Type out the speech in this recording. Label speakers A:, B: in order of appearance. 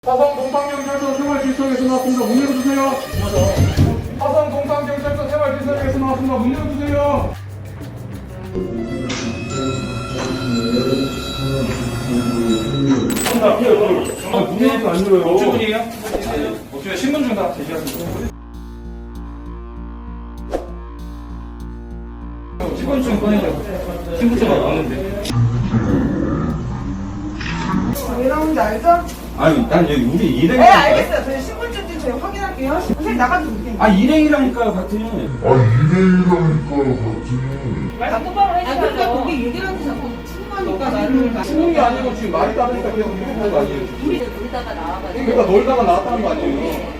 A: 화성 동탄경찰서 생활질서에서 나왔습니다. 문 열어주세요. 화성 동탄경찰서 생활질서에서 나왔습니다. 문 열어주세요. 문이 안 열어요.
B: 업주분이에요? 업주에 신분증 다 제시하세요. 신분증 꺼내죠. 신분증이 없는데.
C: 왜 나오는지 알죠?
B: 아니, 난 여기 우리
C: 네,
B: 일행.
C: 알겠어요. 저희 신분증 좀 저희 확인할게요. 선생님 나가도 돼요.
B: 아, 일행이라니까요, 같은.
C: 단톡방을 해주세요. 그러니까 거기 얘기를 하는데 자꾸 친구하니까 나를
A: 죽는 게 아니고 지금 말이 따르니까 계속 이렇게 하는 거 아니에요?
D: 우리 놀다가 나와가지고
A: 그러니까 놀다가 나왔다는 거 아니에요?